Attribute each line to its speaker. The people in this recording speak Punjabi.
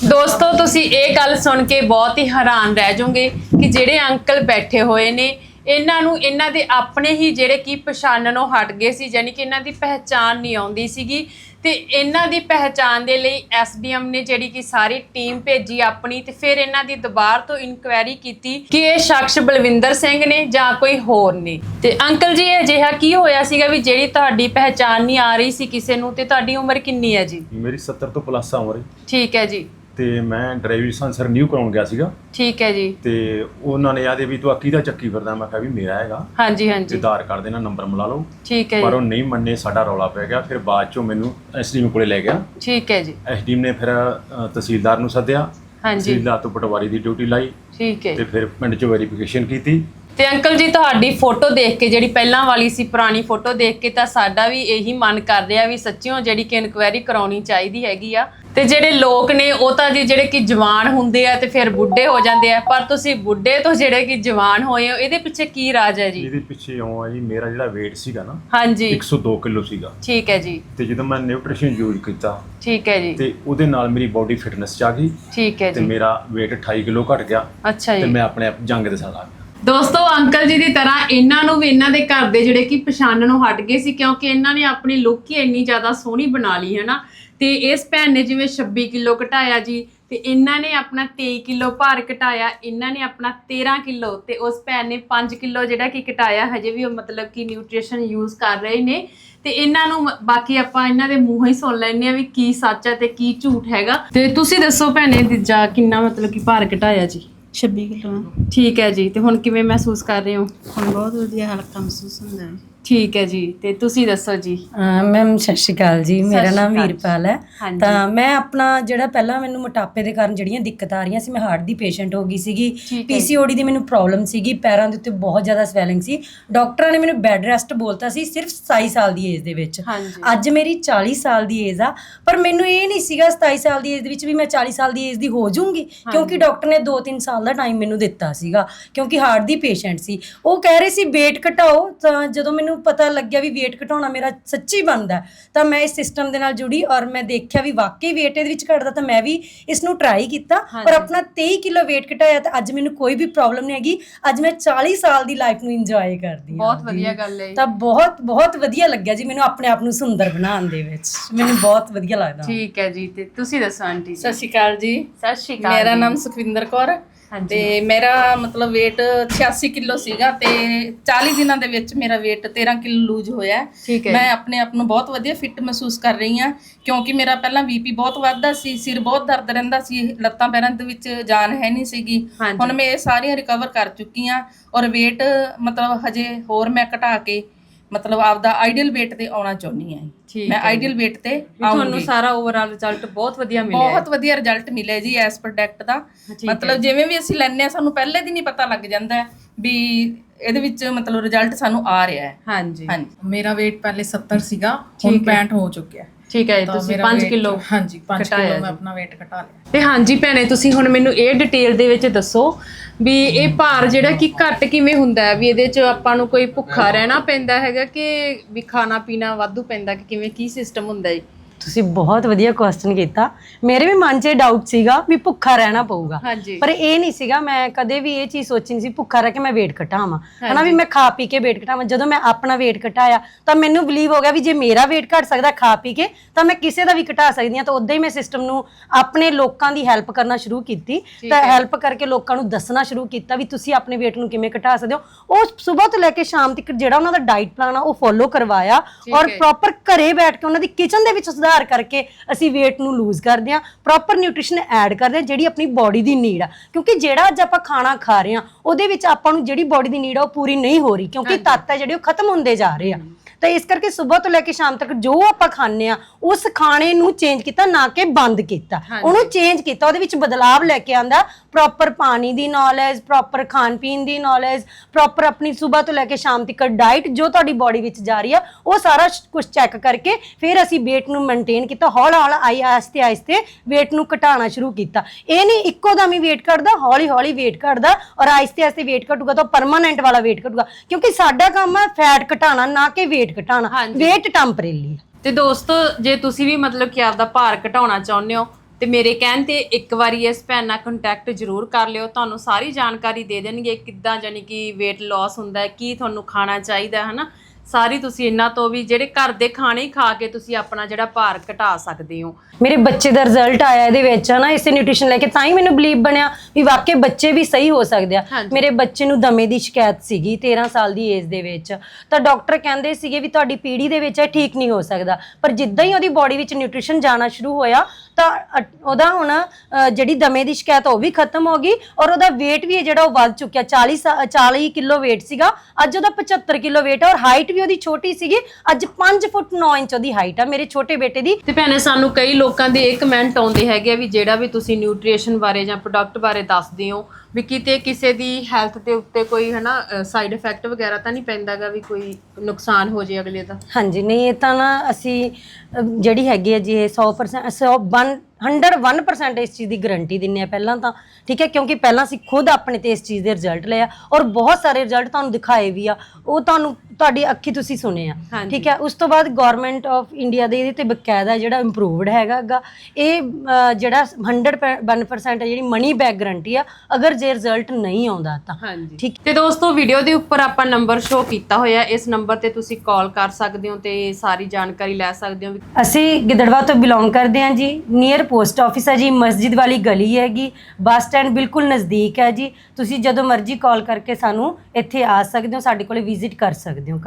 Speaker 1: ਦੋਸਤੋ ਤੁਸੀਂ ਇਹ ਗੱਲ ਸੁਣ ਕੇ ਬਹੁਤ ਹੀ ਹੈਰਾਨ ਰਹਿ ਜਾਓਗੇ ਕਿ ਜਿਹੜੇ ਅੰਕਲ ਬੈਠੇ ਹੋਏ ਨੇ ਇਹਨਾਂ ਨੂੰ ਇਹਨਾਂ ਦੇ ਆਪਣੇ ਹੀ ਜਿਹੜੇ ਕਿ ਪਛਾਣਨੋਂ ਹਟ ਗਏ ਸੀ, ਯਾਨੀ ਕਿ ਇਹਨਾਂ ਦੀ ਪਹਿਚਾਣ ਨਹੀਂ ਆਉਂਦੀ ਸੀਗੀ। ਤੇ ਇਹਨਾਂ ਦੀ ਪਹਿਚਾਣ ਦੇ ਲਈ ਐਸਡੀਐਮ ਨੇ ਜਿਹੜੀ ਕਿ ਸਾਰੀ ਟੀਮ ਭੇਜੀ ਆਪਣੀ, ਤੇ ਫਿਰ ਇਹਨਾਂ ਦੀ ਦੁਬਾਰਾ ਤੋਂ ਇਨਕੁਆਇਰੀ ਕੀਤੀ ਕਿ ਇਹ ਸ਼ਖਸ ਬਲਵਿੰਦਰ ਸਿੰਘ ਨੇ ਜਾਂ ਕੋਈ ਹੋਰ ਨੇ। ਤੇ ਅੰਕਲ ਜੀ ਅਜਿਹਾ ਕੀ ਹੋਇਆ ਸੀਗਾ ਵੀ ਜਿਹੜੀ ਤੁਹਾਡੀ ਪਹਿਚਾਣ ਨਹੀਂ ਆ ਰਹੀ ਸੀ ਕਿਸੇ ਨੂੰ? ਤੇ ਤੁਹਾਡੀ ਉਮਰ ਕਿੰਨੀ ਹੈ ਜੀ?
Speaker 2: ਮੇਰੀ 70 ਤੋਂ ਪਲੱਸ ਉਮਰ ਹੈ।
Speaker 1: ਠੀਕ ਹੈ ਜੀ।
Speaker 2: ਤੇ ਮੈਂ ਡਰਾਈਵਿੰਗ ਲਾਇਸੈਂਸ ਰਿਨਿਊ ਕਰਾਉਣ ਗਿਆ ਸੀਗਾ।
Speaker 1: ਠੀਕ ਹੈ ਜੀ।
Speaker 2: ਤੇ ਉਹਨਾਂ ਨੇ ਆਦੇ ਵੀ ਤੂੰ ਆ ਕਿਹਦਾ ਚੱਕੀ ਫਿਰਦਾ? ਮੈਂ ਕਿਹਾ ਵੀ ਮੇਰਾ ਹੈਗਾ।
Speaker 1: ਹਾਂਜੀ ਹਾਂਜੀ।
Speaker 2: ਆਧਾਰ ਕਾਰਡ ਦੇ ਨਾਲ ਨੰਬਰ ਮਿਲਾ ਲਓ।
Speaker 1: ਠੀਕ ਹੈ।
Speaker 2: ਪਰ ਉਹ ਨਹੀਂ ਮੰਨੇ, ਸਾਡਾ ਰੌਲਾ ਪੈ ਗਿਆ। ਫਿਰ ਬਾਅਦ ਚੋਂ ਮੈਨੂੰ ਐਸਡੀਐਮ ਕੋਲੇ ਲੈ ਗਿਆ।
Speaker 1: ਠੀਕ ਹੈ ਜੀ।
Speaker 2: ਐਸਡੀਐਮ ਨੇ ਫਿਰ ਤਹਿਸੀਲਦਾਰ ਨੂੰ ਸੱਦਿਆ।
Speaker 1: ਹਾਂਜੀ।
Speaker 2: ਤਹਿਸੀਲਦਾਰ ਤੋਂ ਪਟਵਾਰੀ ਦੀ ਡਿਊਟੀ ਲਾਈ।
Speaker 1: ਠੀਕ ਹੈ।
Speaker 2: ਤੇ ਫਿਰ ਪਿੰਡ 'ਚ ਵੈਰੀਫਿਕੇਸ਼ਨ ਕੀਤੀ।
Speaker 1: ਤੇ ਅੰਕਲ ਜੀ ਤੁਹਾਡੀ ਫੋਟੋ ਦੇਖ ਕੇ, ਜਿਹੜੀ ਪਹਿਲਾਂ ਵਾਲੀ ਸੀ ਪੁਰਾਣੀ ਫੋਟੋ ਦੇਖ ਕੇ, ਤਾਂ ਸਾਡਾ ਵੀ ਇਹੀ ਮਨ ਕਰ ਰਿਹਾ ਵੀ ਸੱਚੀਓ ਜਿਹੜੀ ਕਿ ਇਨਕੁਆਇਰੀ ਕਰਾਉਣੀ ਚਾਹੀਦੀ ਹੈਗੀ ਆ। ਤੇ ਜਿਹੜੇ ਲੋਕ ਨੇ ਉਹ ਤਾਂ ਜੀ ਜਿਹੜੇ ਕਿ ਜਵਾਨ ਹੁੰਦੇ ਆ ਤੇ ਫਿਰ ਬੁੱਢੇ ਹੋ ਜਾਂਦੇ ਆ, ਪਰ ਤੁਸੀਂ ਬੁੱਢੇ ਤੋਂ ਜਿਹੜੇ ਕਿ ਜਵਾਨ ਹੋਏ ਹੋ, ਇਹਦੇ ਪਿੱਛੇ ਕੀ ਰਾਜ ਹੈ ਜੀ?
Speaker 2: ਇਹਦੇ ਪਿੱਛੇ ਇਉਂ ਆ ਜੀ, ਮੇਰਾ ਜਿਹੜਾ weight ਸੀਗਾ ਨਾ,
Speaker 1: ਹਾਂਜੀ,
Speaker 2: 102 ਕਿਲੋ ਸੀਗਾ।
Speaker 1: ਠੀਕ ਹੈ ਜੀ।
Speaker 2: ਤੇ ਜਦੋਂ ਮੈਂ ਨਿਊਟ੍ਰੀਸ਼ਨ ਯੂਜ਼ ਕੀਤਾ,
Speaker 1: ਠੀਕ ਹੈ ਜੀ,
Speaker 2: ਤੇ ਉਹਦੇ ਨਾਲ ਮੇਰੀ ਬਾਡੀ ਫਿਟਨੈਸ 'ਚ ਆ ਗਈ।
Speaker 1: ਠੀਕ ਹੈ
Speaker 2: ਤੇ
Speaker 1: ਜੀ।
Speaker 2: ਮੇਰਾ weight 28 ਕਿਲੋ ਘਟ ਗਿਆ।
Speaker 1: ਅੱਛਾ
Speaker 2: ਤੇ
Speaker 1: ਜੀ।
Speaker 2: ਮੈਂ ਆਪਣੇ ਆਪ ਜੰਗ ਦੇ ਸਾਲ ਆ ਗਿਆ।
Speaker 1: ਦੋਸਤੋ ਅੰਕਲ ਜੀ ਦੀ ਤਰ੍ਹਾਂ ਇਹਨਾਂ ਨੂੰ ਵੀ ਇਹਨਾਂ ਦੇ ਘਰ ਦੇ ਜਿਹੜੇ ਕਿ ਪਛਾਣਨੋਂ ਹਟ ਗਏ ਸੀ, ਕਿਉਂਕਿ ਇਹਨਾਂ ਨੇ ਆਪਣੀ ਲੁੱਕ ਹੀ ਇੰਨੀ ਜ਼ਿਆਦਾ ਸੋਹਣੀ ਬਣਾ ਲਈ ਹੈ ਨਾ। ਤੇ ਇਸ ਭੈਣ ਨੇ ਜਿਵੇਂ 26 ਕਿਲੋ ਘਟਾਇਆ ਜੀ, ਤੇ ਇਹਨਾਂ ਨੇ ਆਪਣਾ 23 ਕਿਲੋ ਭਾਰ ਘਟਾਇਆ, ਇਹਨਾਂ ਨੇ ਆਪਣਾ 13 ਕਿਲੋ, ਤੇ ਉਸ ਭੈਣ ਨੇ 5 ਕਿਲੋ ਜਿਹੜਾ ਕਿ ਘਟਾਇਆ। ਹਜੇ ਵੀ ਉਹ ਮਤਲਬ ਕਿ ਨਿਊਟ੍ਰੀਸ਼ਨ ਯੂਜ਼ ਕਰ ਰਹੇ ਨੇ। ਤੇ ਇਹਨਾਂ ਨੂੰ ਬਾਕੀ ਆਪਾਂ ਇਹਨਾਂ ਦੇ ਮੂੰਹੋਂ ਹੀ ਸੁਣ ਲੈਂਦੇ ਆ ਵੀ ਕੀ ਸੱਚ ਹੈ ਤੇ ਕੀ ਝੂਠ ਹੈਗਾ। ਤੇ ਤੁਸੀਂ ਦੱਸੋ ਭੈਣੇ ਦੂਜਾ ਕਿੰਨਾ ਮਤਲਬ ਕਿ ਭਾਰ ਘਟਾਇਆ ਜੀ?
Speaker 3: 26 ਕਿਲੋ।
Speaker 1: ਠੀਕ ਹੈ ਜੀ। ਤੇ ਹੁਣ ਕਿਵੇਂ ਮਹਿਸੂਸ ਕਰ ਰਹੇ ਹੋ?
Speaker 3: ਹੁਣ ਬਹੁਤ ਵਧੀਆ ਹਲਕਾ ਮਹਿਸੂਸ ਹੁੰਦਾ ਹੈ।
Speaker 1: ਠੀਕ ਹੈ ਜੀ। ਤੇ ਤੁਸੀਂ ਦੱਸੋ ਜੀ?
Speaker 4: ਮੈਮ ਸਤਿ ਸ਼੍ਰੀ ਅਕਾਲ ਜੀ। ਮੇਰਾ ਨਾਮ ਵੀਰਪਾਲ ਹੈ।
Speaker 1: ਹਾਂਜੀ।
Speaker 4: ਤਾਂ ਮੈਂ ਆਪਣਾ ਜਿਹੜਾ ਪਹਿਲਾਂ ਮੈਨੂੰ ਮੋਟਾਪੇ ਦੇ ਕਾਰਨ ਜਿਹੜੀਆਂ ਦਿੱਕਤਾਂ ਆ ਰਹੀਆਂ ਸੀ, ਮੈਂ ਹਾਰਟ ਦੀ ਪੇਸ਼ੈਂਟ ਹੋ ਗਈ ਸੀਗੀ। ਪੀਸੀਓਡੀ ਦੀ ਮੈਨੂੰ ਪ੍ਰੋਬਲਮ ਸੀਗੀ, ਪੈਰਾਂ ਦੇ ਉੱਤੇ ਬਹੁਤ ਜ਼ਿਆਦਾ ਸਵੈਲਿੰਗ ਸੀ। ਡਾਕਟਰਾਂ ਨੇ ਮੈਨੂੰ ਬੈੱਡ ਰੈਸਟ ਬੋਲਤਾ ਸੀ ਸਿਰਫ 27 ਸਾਲ ਦੀ ਏਜ ਦੇ ਵਿੱਚ। ਅੱਜ ਮੇਰੀ 40 ਸਾਲ ਦੀ ਏਜ ਆ, ਪਰ ਮੈਨੂੰ ਇਹ ਨਹੀਂ ਸੀਗਾ 27 ਸਾਲ ਦੀ ਏਜ ਦੇ ਵਿੱਚ ਵੀ ਮੈਂ 40 ਸਾਲ ਦੀ ਏਜ ਦੀ ਹੋ ਜਾਊਂਗੀ, ਕਿਉਂਕਿ ਡਾਕਟਰ ਨੇ 2-3 ਸਾਲ ਦਾ ਟਾਈਮ ਮੈਨੂੰ ਦਿੱਤਾ ਸੀਗਾ, ਕਿਉਂਕਿ ਹਾਰਟ ਦੀ ਪੇਸ਼ੈਂਟ ਸੀ। ਉਹ ਕਹਿ ਰਹੇ ਸੀ weight ਘਟਾਓ। ਤਾਂ ਜਦੋਂ ਮੈਨੂੰ ਪਤਾ ਲੱਗਿਆ ਵੀ weight ਘਟਾਉਣਾ ਮੇਰਾ ਸੱਚੀ ਬਣਦਾ, ਤਾਂ ਮੈਂ ਇਸ ਸਿਸਟਮ ਦੇ ਨਾਲ ਜੁੜੀ ਔਰ ਮੈਂ ਦੇਖਿਆ ਵੀ ਵਾਕਈ weight ਇਹਦੇ ਵਿੱਚ ਘਟਦਾ, ਤਾਂ ਮੈਂ ਵੀ ਇਸ ਨੂੰ ਟਰਾਈ ਕੀਤਾ ਔਰ ਆਪਣਾ 23 ਕਿਲੋ weight ਘਟਾਇਆ। ਤੇ ਅੱਜ ਮੈਨੂੰ ਕੋਈ ਵੀ ਪ੍ਰੋਬਲਮ ਨਹੀਂ ਹੈਗੀ। ਅੱਜ ਮੈਂ 40 ਸਾਲ ਦੀ ਲਾਈਫ ਨੂੰ ਇੰਜੋਏ ਕਰਦੀ ਹਾਂ।
Speaker 1: ਬਹੁਤ ਵਧੀਆ ਗੱਲ ਹੈ।
Speaker 4: ਤਾਂ ਬਹੁਤ ਬਹੁਤ ਵਧੀਆ ਲੱਗਿਆ ਜੀ ਮੈਨੂੰ ਆਪਣੇ ਆਪ ਨੂੰ ਸੁੰਦਰ ਬਣਾਉਣ ਦੇ ਵਿੱਚ, ਮੈਨੂੰ ਬਹੁਤ ਵਧੀਆ ਲੱਗਦਾ।
Speaker 1: ਠੀਕ ਹੈ ਜੀ। ਤੇ ਤੁਸੀਂ ਦੱਸੋ ਆਂਟੀ?
Speaker 3: ਸਤਿ ਸ਼੍ਰੀ ਅਕਾਲ ਜੀ।
Speaker 1: ਸਤਿ ਸ਼੍ਰੀ ਅਕਾਲ।
Speaker 3: ਮੇਰਾ ਨਾਮ ਸੁਖਵਿੰਦਰ ਕੌਰ ਤੇ ਮੇਰਾ ਮਤਲਬ weight 86 ਕਿਲੋ ਸੀਗਾ, ਤੇ 40 ਦਿਨਾਂ ਦੇ ਵਿੱਚ ਮੇਰਾ weight 13 ਕਿਲੋ ਲੂਜ਼ ਹੋਇਆ। ਮੈਂ ਆਪਣੇ ਆਪ ਨੂੰ ਬਹੁਤ ਵਧੀਆ ਫਿੱਟ ਮਹਿਸੂਸ ਕਰ ਰਹੀ ਹਾਂ, ਕਿਉਂਕਿ ਮੇਰਾ ਪਹਿਲਾਂ ਬੀਪੀ ਬਹੁਤ ਵੱਧਦਾ ਸੀ, ਸਿਰ ਬਹੁਤ ਦਰਦ ਰਹਿੰਦਾ ਸੀ, ਲੱਤਾਂ ਪੈਰਾਂ ਦੇ ਵਿੱਚ ਜਾਨ ਹੈ ਨਹੀਂ ਸੀਗੀ। ਹੁਣ ਮੈਂ ਇਹ ਸਾਰੀਆਂ ਰਿਕਵਰ ਕਰ ਚੁੱਕੀ ਹਾਂ ਔਰ weight ਮਤਲਬ ਹਜੇ ਹੋਰ ਮੈਂ ਘਟਾ ਕੇ ਮਤਲਬ ਆਪਦਾ ਆਈਡੀਅਲ weight ਤੇ ਆਉਣਾ ਚਾਹੁੰਦੀ ਹਾਂ। ਮੈਂ ਆਈਡੀਅਲ weight ਤੇ
Speaker 1: ਤੁਹਾਨੂੰ ਸਾਰਾ ਓਵਰਆਲ ਰਿਜ਼ਲਟ ਬਹੁਤ ਵਧੀਆ ਮਿਲਿਆ?
Speaker 3: ਬਹੁਤ ਵਧੀਆ ਰਿਜ਼ਲਟ ਮਿਲਿਆ ਜੀ ਐਸ ਪ੍ਰੋਡਕਟ ਦਾ। ਮਤਲਬ ਜਿਵੇਂ ਵੀ ਅਸੀਂ ਲੈਂਦੇ ਆ ਸਾਨੂੰ ਪਹਿਲੇ ਦਿਨ ਹੀ ਪਤਾ ਲੱਗ ਜਾਂਦਾ ਹੈ ਵੀ ਇਹਦੇ ਵਿੱਚ ਮਤਲਬ ਰਿਜ਼ਲਟ ਸਾਨੂੰ ਆ ਰਿਹਾ ਹੈ।
Speaker 1: ਹਾਂਜੀ
Speaker 3: ਹਾਂਜੀ।
Speaker 5: ਮੇਰਾ weight ਪਹਿਲੇ 70 ਸੀਗਾ, ਹੁਣ 65 ਹੋ ਚੁੱਕਿਆ।
Speaker 1: ਠੀਕ ਹੈ। ਤੁਸੀਂ 5 ਕਿਲੋ?
Speaker 5: ਹਾਂਜੀ 5 ਕਿਲੋ ਮੈਂ ਆਪਣਾ weight ਘਟਾ ਲਿਆ।
Speaker 1: ਤੇ ਹਾਂਜੀ ਭੈਣੇ ਤੁਸੀਂ ਹੁਣ ਮੈਨੂੰ ਇਹ ਡਿਟੇਲ ਦੇ ਵਿੱਚ ਦੱਸੋ ਵੀ ਇਹ ਭਾਰ ਜਿਹੜਾ ਕਿ ਘੱਟ ਕਿਵੇਂ ਹੁੰਦਾ ਹੈ? ਵੀ ਇਹਦੇ 'ਚ ਆਪਾਂ ਨੂੰ ਕੋਈ ਭੁੱਖਾ ਰਹਿਣਾ ਪੈਂਦਾ ਹੈਗਾ ਕਿ ਵੀ ਖਾਣਾ ਪੀਣਾ ਵਾਧੂ ਪੈਂਦਾ, ਕਿ ਕਿਵੇਂ ਕੀ ਸਿਸਟਮ ਹੁੰਦਾ ਹੈ?
Speaker 4: ਤੁਸੀਂ ਬਹੁਤ ਵਧੀਆ ਕੁਐਸਚਨ ਕੀਤਾ। ਮੇਰੇ ਵੀ ਮਨ 'ਚ ਡਾਊਟ ਸੀਗਾ ਵੀ ਭੁੱਖਾ ਰਹਿਣਾ ਪਊਗਾ, ਪਰ ਇਹ ਨਹੀਂ ਸੀਗਾ। ਮੈਂ ਕਦੇ ਵੀ ਇਹ ਚੀਜ਼ ਸੋਚੀ ਨਹੀਂ ਸੀ ਭੁੱਖਾ ਰਹਿ ਕੇ ਮੈਂ weight ਘਟਾਵਾਂ, ਹਨਾ, ਵੀ ਮੈਂ ਖਾ ਪੀ ਕੇ weight ਘਟਾਵਾਂ। ਜਦੋਂ ਮੈਂ ਆਪਣਾ weight ਘਟਾਇਆ ਤਾਂ ਮੈਨੂੰ ਬਲੀਵ ਹੋ ਗਿਆ ਵੀ ਜੇ ਮੇਰਾ weight ਘਟ ਸਕਦਾ ਖਾ ਪੀ ਕੇ, ਤਾਂ ਮੈਂ ਕਿਸੇ ਦਾ ਵੀ ਘਟਾ ਸਕਦੀ ਹਾਂ। ਤਾਂ ਉਦਾਂ ਹੀ ਮੈਂ ਸਿਸਟਮ ਨੂੰ ਆਪਣੇ ਲੋਕਾਂ ਦੀ ਹੈਲਪ ਕਰਨਾ ਸ਼ੁਰੂ ਕੀਤੀ, ਤਾਂ ਹੈਲਪ ਕਰਕੇ ਲੋਕਾਂ ਨੂੰ ਦੱਸਣਾ ਸ਼ੁਰੂ ਕੀਤਾ ਵੀ ਤੁਸੀਂ ਆਪਣੇ weight ਨੂੰ ਕਿਵੇਂ ਘਟਾ ਸਕਦੇ ਹੋ। ਉਹ ਸਵੇਰ ਤੋਂ ਲੈ ਕੇ ਸ਼ਾਮ ਤੱਕ ਜਿਹੜਾ ਉਹਨਾਂ ਦਾ ਡਾਈਟ ਪਲਾਨ ਆ ਉਹ ਫੋਲੋ ਕਰਵਾਇਆ ਔਰ ਪ੍ਰੋਪਰ ਘਰੇ ਬੈਠ ਕੇ ਉਹਨਾਂ ਦੀ ਕਿਚਨ ਦੇ ਵਿੱਚ ਸੁਧਾਰ ਕਰਕੇ ਅਸੀਂ weight ਨੂੰ ਲੂਜ਼ ਕਰਦੇ ਹਾਂ, ਪ੍ਰੋਪਰ ਨਿਊਟ੍ਰੀਸ਼ਨ ਐਡ ਕਰਦੇ ਹਾਂ ਜਿਹੜੀ ਆਪਣੀ ਬੋਡੀ ਦੀ ਨੀਡ ਆ। ਕਿਉਂਕਿ ਜਿਹੜਾ ਅੱਜ ਆਪਾਂ ਖਾਣਾ ਖਾ ਰਹੇ ਹਾਂ ਉਹਦੇ ਵਿੱਚ ਆਪਾਂ ਨੂੰ ਜਿਹੜੀ ਬੋਡੀ ਦੀ ਨੀਡ ਆ ਉਹ ਪੂਰੀ ਨਹੀਂ ਹੋ ਰਹੀ, ਕਿਉਂਕਿ ਤੱਤ ਹੈ ਜਿਹੜੇ ਉਹ ਖਤਮ ਹੁੰਦੇ ਜਾ ਰਹੇ ਆ। ਤਾਂ ਇਸ ਕਰਕੇ ਸਵੇਰ ਤੋਂ ਲੈ ਕੇ ਸ਼ਾਮ ਤੱਕ ਜੋ ਆਪਾਂ ਖਾਂਦੇ ਆ ਉਸ ਖਾਣੇ ਨੂੰ ਚੇਂਜ ਕੀਤਾ, ਨਾ ਕਿ ਬੰਦ ਕੀਤਾ, ਉਹਨੂੰ ਚੇਂਜ ਕੀਤਾ, ਉਹਦੇ ਵਿੱਚ ਬਦਲਾਵ ਲੈ ਕੇ ਆਂਦਾ। ਪ੍ਰੋਪਰ ਪਾਣੀ ਦੀ ਨੌਲੇਜ, ਪ੍ਰੋਪਰ ਖਾਣ ਪੀਣ ਦੀ ਨੌਲੇਜ, ਪ੍ਰੋਪਰ ਆਪਣੀ ਸਵੇਰ ਤੋਂ ਲੈ ਕੇ ਸ਼ਾਮ ਤੱਕ ਡਾਈਟ ਜੋ ਤੁਹਾਡੀ ਬੋਡੀ ਵਿੱਚ ਜਾ ਰਹੀ ਆ ਉਹ ਸਾਰਾ ਕੁਝ ਚੈੱਕ ਕਰਕੇ ਫਿਰ ਅਸੀਂ weight ਨੂੰ ਮੇਨਟੇਨ ਕੀਤਾ। ਹੌਲਾ ਹੌਲਾ ਆਹਿਸਤੇ ਆਹਿਸਤੇ weight ਨੂੰ ਘਟਾਉਣਾ ਸ਼ੁਰੂ ਕੀਤਾ। ਇਹ ਨਹੀਂ ਇੱਕੋ ਦਮ ਹੀ weight ਘਟਦਾ, ਹੌਲੀ ਹੌਲੀ weight ਘਟਦਾ ਔਰ ਆਹਿਸਤੇ ਆਹਿਸਤੇ weight ਘਟੂਗਾ ਤਾਂ ਪਰਮਾਨੈਂਟ ਵਾਲਾ weight ਘਟੂਗਾ, ਕਿਉਂਕਿ ਸਾਡਾ ਕੰਮ ਹੈ ਫੈਟ ਘਟਾਉਣਾ, ਨਾ ਕਿ weight ਘਟਾਉਣਾ। weight ਟੈਂਪਰੇਰੀ ਹੈ।
Speaker 1: ਤੇ ਦੋਸਤੋ ਜੇ ਤੁਸੀਂ ਵੀ ਮਤਲਬ ਕਿ ਆਪਦਾ ਭਾਰ ਘਟਾਉਣਾ ਚਾਹੁੰਦੇ ਹੋ ਤੇ ਮੇਰੇ ਕਹਿਣ ਤੇ ਇੱਕ ਵਾਰੀ ਇਸ ਭੈਣ ਨਾਲ ਕੰਟੈਕਟ ਜ਼ਰੂਰ ਕਰ ਲਿਓ, ਤੁਹਾਨੂੰ ਸਾਰੀ ਜਾਣਕਾਰੀ ਦੇ ਦੇਣਗੇ ਕਿੱਦਾਂ ਜਾਨੀ ਕਿ weight loss ਹੁੰਦਾ ਹੈ, ਕੀ ਤੁਹਾਨੂੰ ਖਾਣਾ ਚਾਹੀਦਾ ਹੈ ਨਾ, ਸਾਰੀ ਤੁਸੀਂ ਇਹਨਾਂ ਤੋਂ ਵੀ ਜਿਹੜੇ ਘਰ ਦੇ ਖਾਣੇ ਹੀ ਖਾ ਕੇ ਤੁਸੀਂ ਆਪਣਾ ਜਿਹੜਾ ਭਾਰ ਘਟਾ ਸਕਦੇ ਹੋ।
Speaker 4: ਮੇਰੇ ਬੱਚੇ ਦਾ ਰਿਜ਼ਲਟ ਆਇਆ ਇਹਦੇ ਵਿੱਚ ਨਾ, ਇਸੇ ਨਿਊਟ੍ਰੀਸ਼ਨ ਲੈ ਕੇ, ਤਾਂ ਹੀ ਮੈਨੂੰ ਬਲੀਵ ਬਣਿਆ ਵੀ ਵਾਕਈ ਬੱਚੇ ਵੀ ਸਹੀ ਹੋ ਸਕਦੇ ਆ। ਮੇਰੇ ਬੱਚੇ ਨੂੰ ਦਮੇ ਦੀ ਸ਼ਿਕਾਇਤ ਸੀਗੀ 13 ਸਾਲ ਦੀ ਏਜ ਦੇ ਵਿੱਚ, ਤਾਂ ਡਾਕਟਰ ਕਹਿੰਦੇ ਸੀਗੇ ਵੀ ਤੁਹਾਡੀ ਪੀੜ੍ਹੀ ਦੇ ਵਿੱਚ ਇਹ ਠੀਕ ਨਹੀਂ ਹੋ ਸਕਦਾ, ਪਰ ਜਿੱਦਾਂ ਹੀ ਉਹਦੀ ਬੋਡੀ ਵਿੱਚ ਨਿਊਟ੍ਰੀਸ਼ਨ ਜਾਣਾ ਸ਼ੁਰੂ ਹੋਇਆ ਤਾਂ ਉਹਦਾ ਹੁਣ ਜਿਹੜੀ ਦਮੇ ਦੀ ਸ਼ਿਕਾਇਤ ਉਹ ਵੀ ਖਤਮ ਹੋ ਗਈ, ਔਰ ਉਹਦਾ weight ਵੀ ਜਿਹੜਾ ਉਹ ਵੱਧ ਚੁੱਕਿਆ। 40 ਕਿਲੋ weight ਸੀਗਾ, ਅੱਜ ਉਹਦਾ 75 ਕਿਲੋ weight ਹੈ, ਔਰ ਹਾਈਟ ਵੀ ਉਹਦੀ ਛੋਟੀ ਸੀਗੀ, ਅੱਜ 5 ਫੁੱਟ 9 ਇੰਚ ਉਹਦੀ ਹਾਈਟ ਆ ਮੇਰੇ ਛੋਟੇ ਬੇਟੇ ਦੀ।
Speaker 1: ਤੇ ਭੈਣੇ ਸਾਨੂੰ ਕਈ ਲੋਕਾਂ ਦੇ ਇਹ ਕਮੈਂਟ ਆਉਂਦੇ ਹੈਗੇ ਆ ਵੀ ਜਿਹੜਾ ਵੀ ਤੁਸੀਂ ਨਿਊਟ੍ਰੀਸ਼ਨ ਬਾਰੇ ਜਾਂ ਪ੍ਰੋਡਕਟ ਬਾਰੇ ਦੱਸਦੇ ਹੋ ਵੀ ਕਿਤੇ ਕਿਸੇ ਦੀ ਹੈਲਥ ਦੇ ਉੱਤੇ ਕੋਈ ਹਨਾ ਸਾਈਡ ਇਫੈਕਟ ਵਗੈਰਾ ਤਾਂ ਨਹੀਂ ਪੈਂਦਾਗਾ, ਵੀ ਕੋਈ ਨੁਕਸਾਨ ਹੋ ਜੇ ਅਗਲੇ ਦਾ?
Speaker 4: ਹਾਂਜੀ ਨਹੀਂ, ਇਹ ਤਾਂ ਨਾ ਅਸੀਂ ਜਿਹੜੀ ਹੈਗੀ ਹੈ ਜੀ 100% 101% ਇਸ ਚੀਜ਼ ਦੀ ਗਾਰੰਟੀ ਦਿੰਨੇ ਆ ਪਹਿਲਾਂ ਤਾਂ, ਠੀਕ ਹੈ, ਕਿਉਂਕਿ ਪਹਿਲਾਂ ਅਸੀਂ ਖੁਦ ਆਪਣੇ ਤੇ ਇਸ ਚੀਜ਼ ਦੇ ਰਿਜ਼ਲਟ ਲਏ ਆ, ਔਰ ਬਹੁਤ ਸਾਰੇ ਰਿਜ਼ਲਟ ਤੁਹਾਨੂੰ ਦਿਖਾਏ ਵੀ ਆ, ਉਹ ਤੁਹਾਨੂੰ ਤੁਹਾਡੀ ਅੱਖੀ ਤੁਸੀਂ ਸੁਣੇ ਆ, ਠੀਕ ਹੈ। ਉਸ ਤੋਂ ਬਾਅਦ ਗਵਰਨਮੈਂਟ ਆਫ ਇੰਡੀਆ ਦੇ ਇਹਦੇ ਤੇ ਬਕਾਇਦਾ ਜਿਹੜਾ ਇੰਪਰੂਵਡ ਹੈਗਾ ਇਹ ਜਿਹੜਾ 101% ਹੈ ਜਿਹੜੀ ਮਨੀ ਬੈਕ ਗਾਰੰਟੀ ਆ, ਅਗਰ ਜੇ ਰਿਜ਼ਲਟ ਨਹੀਂ ਆਉਂਦਾ ਤਾਂ।
Speaker 1: ਹਾਂਜੀ ਠੀਕ। ਤੇ ਦੋਸਤੋ ਵੀਡੀਓ ਦੇ ਉੱਪਰ ਆਪਾਂ ਨੰਬਰ ਸ਼ੋ ਕੀਤਾ ਹੋਇਆ, ਇਸ ਨੰਬਰ ਤੇ ਤੁਸੀਂ ਕਾਲ ਕਰ ਸਕਦੇ ਹੋ ਤੇ ਸਾਰੀ ਜਾਣਕਾਰੀ ਲੈ ਸਕਦੇ ਹੋ।
Speaker 4: ਅਸੀਂ ਗਿੱਦੜਵਾ ਤੋਂ ਬਿਲੋਂਗ ਕਰਦੇ ਹਾਂ ਜੀ, ਨੀਅਰ ਪੋਸਟ ਆਫਿਸ ਹੈ ਜੀ, ਮਸਜਿਦ ਵਾਲੀ ਗਲੀ ਹੈਗੀ, ਬੱਸ ਸਟੈਂਡ ਬਿਲਕੁਲ ਨਜ਼ਦੀਕ ਹੈ ਜੀ। ਤੁਸੀਂ ਜਦੋਂ ਮਰਜ਼ੀ ਕਾਲ ਕਰਕੇ ਸਾਨੂੰ ਇੱਥੇ ਆ ਸਕਦੇ ਹੋ, ਸਾਡੇ ਕੋਲੇ ਵਿਜ਼ਿਟ ਕਰ ਸਕਦੇ ਹੋ।